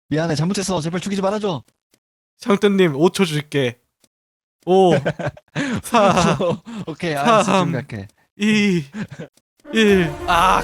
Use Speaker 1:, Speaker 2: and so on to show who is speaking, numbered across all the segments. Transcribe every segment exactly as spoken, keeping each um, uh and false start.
Speaker 1: 미안해 잘못했어. 제발 죽이지 말아줘.
Speaker 2: 샹뜨님 오 초 줄게. 오, 사,
Speaker 1: 오케이 알았어.
Speaker 2: 삼.
Speaker 1: 지금 갈게.
Speaker 2: 이, 일. 아,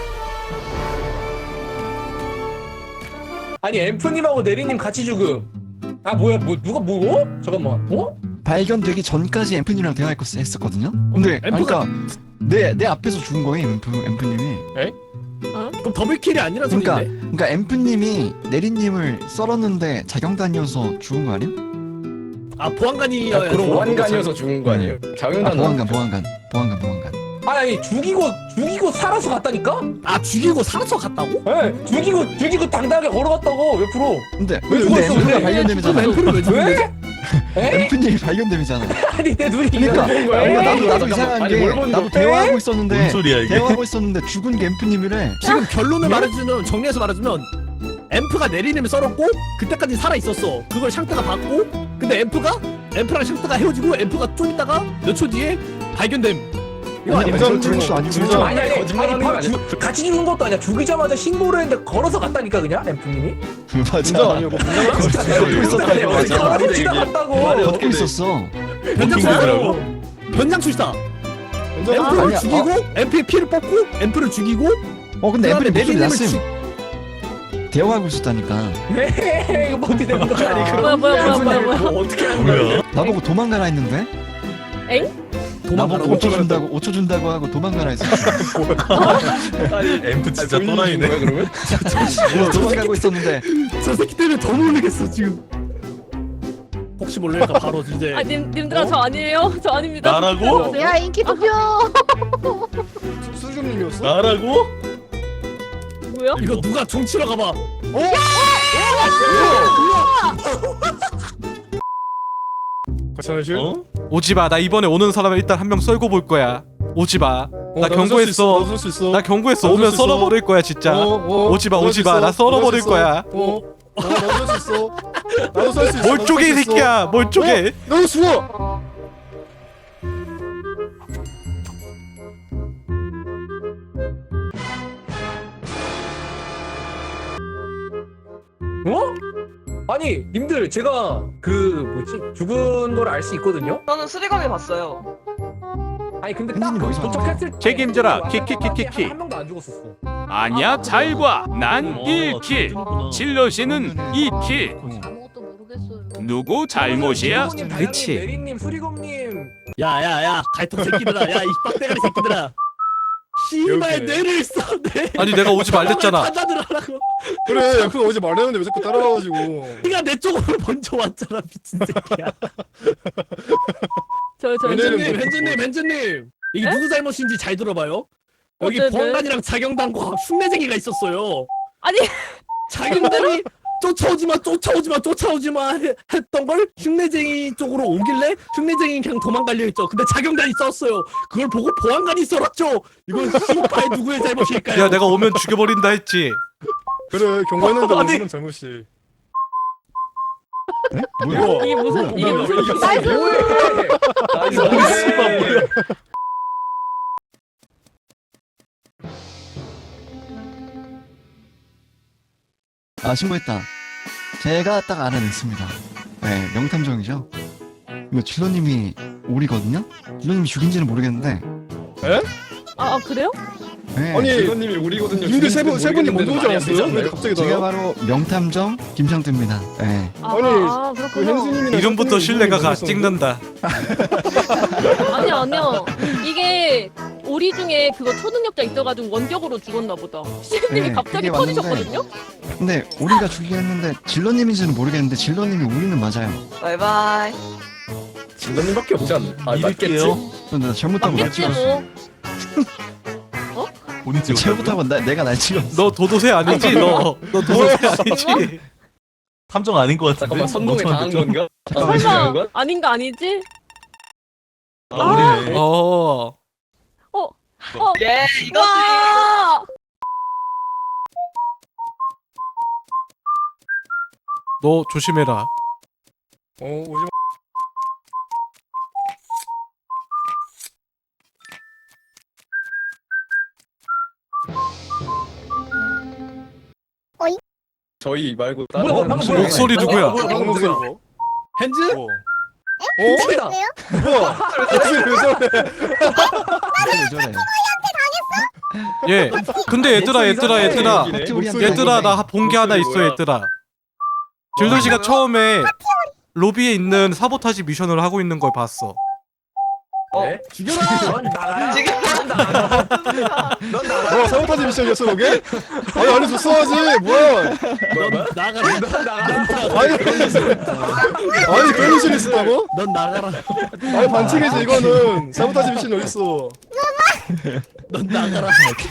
Speaker 3: 아니 앰프님하고 내리님 같이 죽음. 아 뭐야 뭐 누가 뭐? 어? 잠깐만. 어?
Speaker 1: 발견되기 전까지 앰프님이랑 대화할 거 했었거든요. 근데 아니,
Speaker 4: 앰프가-
Speaker 1: 그러니까 내 내 앞에서 죽은 거예요. 앰프 앰프님이.
Speaker 4: 그럼 더블킬이 아니란
Speaker 1: 그러니까
Speaker 4: 소리인데?
Speaker 1: 그러니까 앰프님이 내리님을 썰었는데 자경단이어서 죽은 거 아니야?
Speaker 4: 아 보안관이어야
Speaker 3: 아, 그럼 보안관이어서 죽은 거 아니에요?
Speaker 1: 아,
Speaker 3: 자경단.
Speaker 1: 보안관 보안관 보안관 보안관.
Speaker 3: 아니 죽이고 죽이고 살아서 갔다니까?
Speaker 4: 아 죽이고 살아서 갔다고?
Speaker 3: 예, 죽이고 죽이고 당당하게 걸어갔다고 옆으로.
Speaker 1: 근데
Speaker 3: 왜
Speaker 1: 근데
Speaker 3: 죽었어,
Speaker 1: 앰프가
Speaker 3: 근데?
Speaker 1: 발견됨이잖아.
Speaker 4: 그럼 앰프를 왜 죽인 거지?
Speaker 3: 왜? 에?
Speaker 1: 앰프님이 발견됨이잖아.
Speaker 3: 아니 내 눈이
Speaker 1: 그러니까
Speaker 3: 이런 거야.
Speaker 1: 그러니까 나도
Speaker 3: 에이,
Speaker 1: 나도
Speaker 3: 잠깐만.
Speaker 1: 이상한
Speaker 3: 아니,
Speaker 1: 게
Speaker 3: 뭘 보는
Speaker 1: 나도
Speaker 3: 거야?
Speaker 1: 대화하고
Speaker 5: 뭔
Speaker 1: 있었는데
Speaker 5: 소리야 이게?
Speaker 1: 대화하고 있었는데 죽은 게 앰프님이래.
Speaker 4: 지금 결론을 말해주면 정리해서 말해주면 앰프가 내리님을 썰었고 그때까지 살아 있었어. 그걸 샹트가 봤고 근데 앰프가 앰프랑 샹트가 헤어지고 앰프가 좀 있다가 몇 초 뒤에 발견됨. 이거
Speaker 1: 아니,
Speaker 4: 아니야?
Speaker 1: 아니, 그럴 수 아니고
Speaker 3: 아니
Speaker 1: 그렇죠.
Speaker 3: 아니 아니,
Speaker 5: 거짓말하는
Speaker 3: 아니
Speaker 5: 거
Speaker 3: 바로
Speaker 5: 아니야?
Speaker 3: 주- 같이 죽은 것도 아니야. 죽이자마자 신고를 했는데 걸어서 갔다니까 그냥 앰프님이.
Speaker 1: 맞아.
Speaker 5: 아니고
Speaker 3: 진짜
Speaker 1: 걷고 있었다고, 맞아.
Speaker 3: 걸어 지나갔다고.
Speaker 1: 걷고 있었어.
Speaker 4: 변장
Speaker 5: 킹거더라고?
Speaker 4: 출시다. 변장 출시다. 앰프를
Speaker 1: 아니야,
Speaker 4: 죽이고 앰프의 피를 뽑고 앰프를 죽이고
Speaker 1: 어 근데
Speaker 4: 그다음에
Speaker 1: 앰프님 목소리
Speaker 4: 내리님을
Speaker 1: 났음.
Speaker 4: 죽-
Speaker 1: 대화하고 있었다니까.
Speaker 3: 네, 이거 어떻게 되는 거야?
Speaker 5: 아니, 그럼-
Speaker 6: 뭐야 뭐야 뭐야 뭐야 뭐야.
Speaker 3: 뭐 어떻게 하는 거야?
Speaker 5: 뭐야?
Speaker 1: 나보고 도망가라 했는데 나보고
Speaker 4: 도망가라고.
Speaker 1: 오 초 준다고 오 초 준다고 하고 도망가라 했었어.
Speaker 5: 엠프 진짜 또라이네.
Speaker 3: 거야 그러면?
Speaker 1: 어, 도망가고 있었는데
Speaker 4: 저 새끼 때문에 더 모르겠어 지금. 혹시 모르니까 바로 이제
Speaker 6: 아 님, 님들아 저 아니에요. 저 아닙니다.
Speaker 5: 나라고?
Speaker 6: 안녕하세요.
Speaker 7: 야 인기 투표.
Speaker 4: 수준님이었어?
Speaker 5: 나라고?
Speaker 6: 뭐야?
Speaker 4: 이거 누가 종치러 가봐.
Speaker 5: 과찬하실? 어?
Speaker 2: 오지 마. 나 이번에 오는 사람을 일단 한 명 썰고 볼 거야. 오지 마. 나 경고했어.
Speaker 5: 나도 수 있어.
Speaker 2: 나 경고했어.
Speaker 5: 나도
Speaker 2: 오면
Speaker 5: 쓸수 있어.
Speaker 2: 썰어버릴 거야 진짜.
Speaker 5: 어, 어.
Speaker 2: 오지 마,
Speaker 5: 나도
Speaker 2: 오지
Speaker 5: 쓸수
Speaker 2: 마.
Speaker 5: 있어.
Speaker 2: 나 썰어버릴
Speaker 5: 나도 쓸
Speaker 2: 거야.
Speaker 5: 수 있어. 어. 어, 나도 쓸수 있어. 나도 썰 수 있어.
Speaker 2: 뭘 쪼개 이
Speaker 5: 나도 쓸수 있어.
Speaker 2: 새끼야. 뭘 쪼개.
Speaker 5: 나도 죽어.
Speaker 3: 어? 아니, 님들 제가 그 뭐지 죽은 걸 알 수 있거든요.
Speaker 7: 저는 수리검이 봤어요.
Speaker 3: 아니 근데
Speaker 1: 선생님
Speaker 3: 딱
Speaker 1: 어디서
Speaker 3: 도착했을 때
Speaker 8: 책임져라.
Speaker 3: 왔다
Speaker 8: 키키키키키.
Speaker 3: 한 명도 안 죽었었어.
Speaker 8: 아니야, 잘 봐. 난
Speaker 5: 어,
Speaker 8: 일 킬.
Speaker 5: 그렇구나.
Speaker 8: 질럿이는 이 킬.
Speaker 7: 아무것도 모르겠어요.
Speaker 8: 누구 잘못이야?
Speaker 3: 님,
Speaker 2: 그치.
Speaker 3: 내리님, 수리검님.
Speaker 4: 야야야 갈통 새끼들아. 야 이 빡대가리 새끼들아. 씨발
Speaker 5: 이렇게.
Speaker 4: 뇌를 써 뇌.
Speaker 2: 아니 내가 오지 말랬잖아.
Speaker 4: 찾아들어라고.
Speaker 5: 그래, 엠프가 어제 말했는데 왜 자꾸 따라와가지고.
Speaker 4: 네가 내 쪽으로 먼저 왔잖아 미친 새끼야.
Speaker 6: 저저
Speaker 5: 왜냐면
Speaker 4: 현주님
Speaker 5: 뭐-
Speaker 4: 현주님 현주님 이게
Speaker 6: 에?
Speaker 4: 누구 잘못인지 잘 들어봐요. 여기
Speaker 6: 어쨌든.
Speaker 4: 보안관이랑 자경단과 흉내쟁이가 있었어요.
Speaker 6: 아니
Speaker 4: 자경단이 쫓아오지마 쫓아오지마 쫓아오지마 해- 했던 걸 흉내쟁이 쪽으로 오길래 흉내쟁이 그냥 도망가려 했죠. 근데 자경단이 썼어요. 그걸 보고 보안관이 썰었죠. 이건 씨발 누구의 잘못일까요?
Speaker 2: 야 내가 오면 죽여버린다 했지.
Speaker 5: 그래, 경고했는데
Speaker 4: 아니.
Speaker 5: 무슨 잘못이.
Speaker 1: 뭐야?
Speaker 6: 이게 무슨 이게 무슨
Speaker 3: 나이스. 나이스.
Speaker 5: 뭐야?
Speaker 1: 아 신고했다. 제가 딱 알아냈습니다. 네 명탐정이죠. 이거 질러님이 오리거든요. 질러님이 죽인지는 모르겠는데.
Speaker 6: 아, 아 그래요?
Speaker 1: 네.
Speaker 5: 아니,
Speaker 3: 이건님이 우리거든요.
Speaker 5: 님들 세 분, 세 분이 먼저 오지 않았어요? 왜 갑자기
Speaker 1: 제가
Speaker 5: 나요?
Speaker 1: 바로 명탐정 김상태입니다. 네.
Speaker 6: 아,
Speaker 5: 아니,
Speaker 6: 아
Speaker 5: 그
Speaker 6: 그렇구나.
Speaker 5: 현수님이나
Speaker 2: 이름부터 신뢰가 가.
Speaker 5: 있었는데?
Speaker 2: 찍는다.
Speaker 6: 아니요 아니요. 이게 오리 중에 그거 초능력자 있어가지고 원격으로 죽었나 보다. 시님이
Speaker 1: 네,
Speaker 6: 갑자기
Speaker 1: 그게 맞는데.
Speaker 6: 터지셨거든요.
Speaker 1: 근데 우리가 죽이긴 했는데 질러님인지는 모르겠는데 질러님이 우리는 맞아요.
Speaker 7: 바이바이.
Speaker 3: 진도님밖에 없지 않나? 아,
Speaker 2: 믿을게요.
Speaker 1: 근데 나 잘못하고 나
Speaker 6: 맞겠지
Speaker 1: 찍었어.
Speaker 6: 뭐.
Speaker 5: 본인 찍었다고요?
Speaker 1: 잘못하고 나, 내가 날 찍었어.
Speaker 2: 너 도도새 아니지? 너. 너 도도새 아니지?
Speaker 5: 탐정 아닌 것 같은데?
Speaker 3: 잠깐만 선동에 당한
Speaker 5: 좀-
Speaker 3: 건가?
Speaker 1: 잠깐만.
Speaker 6: 설마 아닌가 아니지?
Speaker 5: 아, 우리네.
Speaker 2: 어.
Speaker 6: 어.
Speaker 7: 예, 이거
Speaker 6: 와.
Speaker 2: 너 조심해라.
Speaker 5: 어, 오지 마. 저희 말고 다른
Speaker 3: 뭐야,
Speaker 5: 사람
Speaker 3: 방금
Speaker 5: 목소리.
Speaker 2: 목소리 누구야?
Speaker 3: 뭐야, 방금
Speaker 5: 목소리
Speaker 3: 누구야?
Speaker 5: 뭐?
Speaker 4: 핸즈?
Speaker 5: 어?
Speaker 3: 누구야?
Speaker 5: 뭐야? 목소리 왜 저래?
Speaker 1: 왜 저래?
Speaker 2: 예. 근데 얘들아 얘들아 얘들아
Speaker 5: 목소리
Speaker 2: 얘들아 나 본 게 하나 있어
Speaker 5: 뭐야?
Speaker 2: 얘들아. 질도 씨가 처음에 로비에 있는 사보타지 미션을 하고 있는 걸 봤어.
Speaker 3: 네?
Speaker 4: 죽여라.
Speaker 3: 넌 나가라. 넌 나가라. 넌 나가라.
Speaker 5: 뭐 사보타지 미션이었어 그게? 아니 아니 저 써야지 뭐야?
Speaker 4: 넌 나가라.
Speaker 3: 넌 나가라.
Speaker 5: 아니 아니 그런 미션이 있었다고?
Speaker 4: 넌 나가라.
Speaker 5: 아니 반칙이지 이거는. 사보타지 미션이 어딨어?
Speaker 4: 넌 나가라.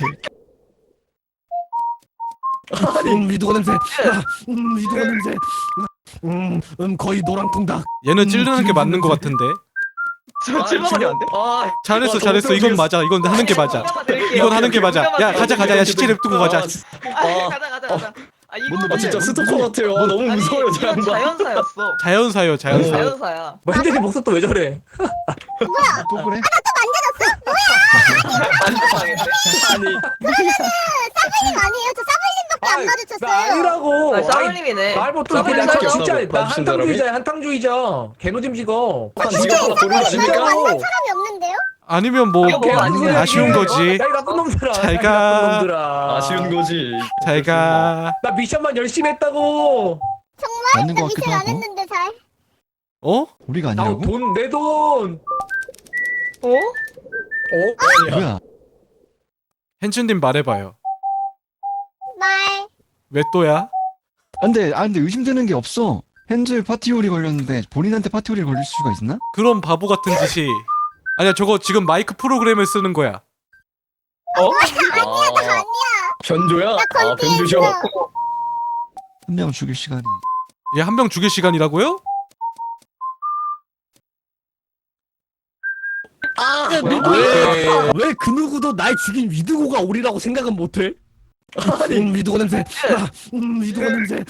Speaker 4: 음, 위도가 냄새. 음, 위도가 냄새. 음, 음, 거의 노랑통닭.
Speaker 2: 얘는 찌르는 게 맞는 것 같은데.
Speaker 7: 저 칠번이 안 돼?
Speaker 3: 아,
Speaker 2: 잘했어 잘했어. 이건 맞아. 이건 하는 게 맞아. 이건 하는 게 맞아. 야 가자 가자. 야 시체 냅두고 가자.
Speaker 7: 아, 가자 가자 가자. 아 이거
Speaker 5: 아 진짜 스토커 같아요. 아, 너무 무서워요 저
Speaker 7: 이건
Speaker 5: 양반.
Speaker 7: 자연사였어.
Speaker 2: 자연사요 자연사.
Speaker 7: 자연사야.
Speaker 3: 뭐 핸드폰 목소리 또 왜 저래?
Speaker 1: 또 그래?
Speaker 7: 안 좋아하겠네.
Speaker 3: 아니,
Speaker 9: 아니에요. 저 사부님밖에 안
Speaker 3: 나
Speaker 9: 마주쳤어요.
Speaker 3: 아니라고.
Speaker 7: 아 싸울님이네.
Speaker 3: 말못
Speaker 5: 나
Speaker 3: 듣고
Speaker 5: 한
Speaker 3: 나
Speaker 5: 적이 없어,
Speaker 3: 진짜 나
Speaker 5: 봐주신 사람이?
Speaker 3: 한탕주의자야 한탕주의자. 개노짐 지거.
Speaker 5: 아,
Speaker 3: 진짜로
Speaker 5: 지금
Speaker 3: 아,
Speaker 5: 보는
Speaker 3: 진짜로.
Speaker 9: 사람이 없는데요?
Speaker 2: 아니면 뭐
Speaker 7: 이거 뭐 아니야.
Speaker 2: 아쉬운 거지.
Speaker 3: 야, 이 나쁜 놈들아.
Speaker 2: 잘
Speaker 3: 야, 이
Speaker 2: 가.
Speaker 3: 나쁜 놈들아.
Speaker 5: 아쉬운 거지.
Speaker 2: 잘 가.
Speaker 3: 나 미션만 열심히 했다고.
Speaker 1: 맞는
Speaker 9: 나
Speaker 1: 것 같기도
Speaker 9: 미션 안
Speaker 1: 하고.
Speaker 9: 했는데 잘.
Speaker 2: 어?
Speaker 1: 우리가 아니라고?
Speaker 3: 나돈내 돈.
Speaker 7: 어?
Speaker 3: 어?
Speaker 1: 뭐야?
Speaker 2: hench님 말해봐요.
Speaker 9: 말.
Speaker 2: 왜 또야?
Speaker 1: 안돼, 아 근데 의심되는 게 없어. 핸즈 파티홀이 걸렸는데 본인한테 파티홀이 걸릴 수가 있나?
Speaker 2: 그런 바보 같은 짓이. 아니야 저거 지금 마이크 프로그램을 쓰는 거야.
Speaker 5: 어?
Speaker 9: 아니야.
Speaker 5: 변조야?
Speaker 9: 나
Speaker 5: 아
Speaker 9: 건피했어.
Speaker 5: 변조셔.
Speaker 1: 한 명 죽일 시간이.
Speaker 2: 얘 한 명 죽일 시간이라고요?
Speaker 4: 아,
Speaker 3: 뭐야?
Speaker 4: 왜? 왜 그 누구도 날 죽인 위드고가 오리라고 생각은 못해? 음, 위드고 냄새. 아, 음, 위드고 냄새.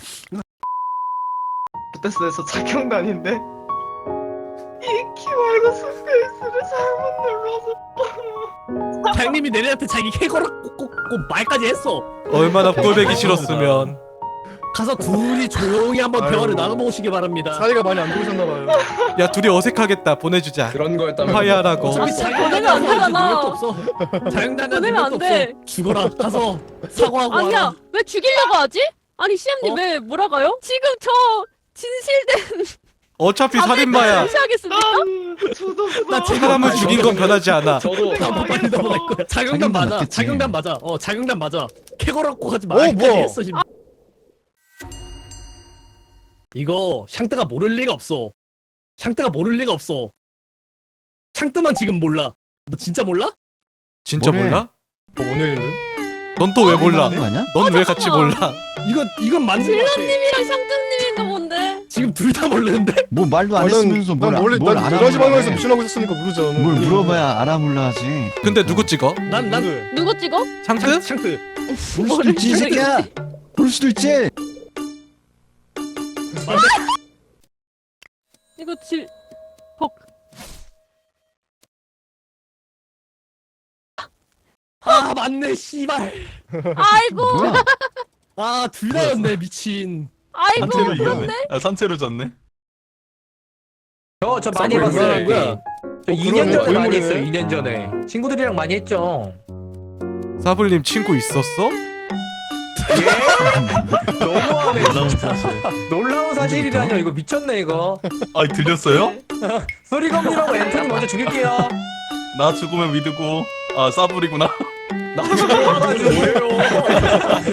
Speaker 7: 부테스에서 자경단인데 이 키 말고 스페이스를 잘못 눌러서.
Speaker 4: 장님이 내내한테 자기 캐거라 꼭꼭꼭 말까지 했어.
Speaker 2: 얼마나 꼴배기 싫었으면.
Speaker 4: 가서 둘이 조용히 한번
Speaker 5: 아유.
Speaker 4: 대화를 나눠보시기 바랍니다.
Speaker 5: 사이가 많이 안 좋으셨나봐요.
Speaker 2: 야 둘이 어색하겠다. 보내주자.
Speaker 5: 그런 거였다면.
Speaker 2: 화해하라고.
Speaker 4: 어차피
Speaker 6: 보내면
Speaker 4: 자경단이
Speaker 6: 안 되잖아.
Speaker 4: 능력도 없어. 자경단이
Speaker 6: 보내면 안
Speaker 4: 능력도
Speaker 6: 돼.
Speaker 4: 없어. 죽어라. 가서 사과하고
Speaker 6: 아니야.
Speaker 4: 와라.
Speaker 6: 왜 죽이려고 하지? 아니 시엠님
Speaker 4: 어?
Speaker 6: 왜 뭐라가요? 지금 저 진실된
Speaker 2: 어차피 살인마야.
Speaker 6: 무시하겠습니까?
Speaker 4: 나 지금
Speaker 2: 사람을 죽인 건 변하지 않아.
Speaker 5: 저도
Speaker 4: 나 빨리 넘어갈 거야. 자경단
Speaker 1: 자경단
Speaker 4: 맞아.
Speaker 1: 맞겠지.
Speaker 4: 자경단 맞아. 어, 자경단 맞아. 캐거라고 하지
Speaker 5: 어,
Speaker 4: 말까지
Speaker 5: 뭐야?
Speaker 4: 했어 지금. 이거 샹뜨가 모를 리가 없어. 샹뜨가 모를 리가 없어. 샹뜨만 지금 몰라. 너 진짜 몰라?
Speaker 2: 진짜
Speaker 1: 뭐래?
Speaker 2: 몰라?
Speaker 5: 어, 오늘인데?
Speaker 2: 넌 또 왜 몰라?
Speaker 1: 거 아니야?
Speaker 2: 넌 왜 같이
Speaker 6: 잠깐만.
Speaker 2: 몰라?
Speaker 4: 이건 이건 맞는 거 같아.
Speaker 6: 질러님이랑 샹뜨님인가 본데.
Speaker 4: 지금 둘 다 모르는데?
Speaker 1: 뭐 말도 안
Speaker 5: 아, 난-
Speaker 1: 했으면서 뭘,
Speaker 5: 난 원래
Speaker 1: 뭘
Speaker 5: 난
Speaker 1: 알아
Speaker 5: 여러 가지
Speaker 1: 몰라
Speaker 5: 방송에서
Speaker 1: 해.
Speaker 5: 미션하고 있었으니까 모르죠.
Speaker 1: 뭘 물어봐야 알아 몰라 하지.
Speaker 2: 근데 누구 찍어?
Speaker 4: 난 난
Speaker 5: 누구?
Speaker 6: 누구 찍어?
Speaker 2: 샹트?
Speaker 4: 샹뜨.
Speaker 1: 볼 수도 있지 이 새끼야. 볼 수도 있지.
Speaker 6: 이거 질
Speaker 4: 아 맞네 씨발.
Speaker 6: 아이고
Speaker 1: 뭐야?
Speaker 4: 아 둘 다였네 미친.
Speaker 6: 아이고
Speaker 5: 산채로
Speaker 6: 그런데
Speaker 5: 이겼네. 아 산채로 졌네.
Speaker 3: 저, 저 많이
Speaker 4: 뭘
Speaker 3: 해봤어요.
Speaker 4: 뭐라는 거야?
Speaker 3: 저
Speaker 5: 어,
Speaker 3: 이 년
Speaker 5: 그러네.
Speaker 3: 전에 많이
Speaker 5: 고인물이네.
Speaker 3: 했어요. 이 년 전에. 친구들이랑 많이 했죠.
Speaker 2: 사불님 친구 있었어?
Speaker 3: 예? 너무하네. 진짜. 놀라운 사실이라뇨. 이거 미쳤네 이거.
Speaker 5: 아 들렸어요?
Speaker 3: 소리검이라고 앤톤이 먼저 죽일게요.
Speaker 5: 나 죽으면 믿고 아 싸불이구나.
Speaker 3: 나 죽어가지고 뭐예요?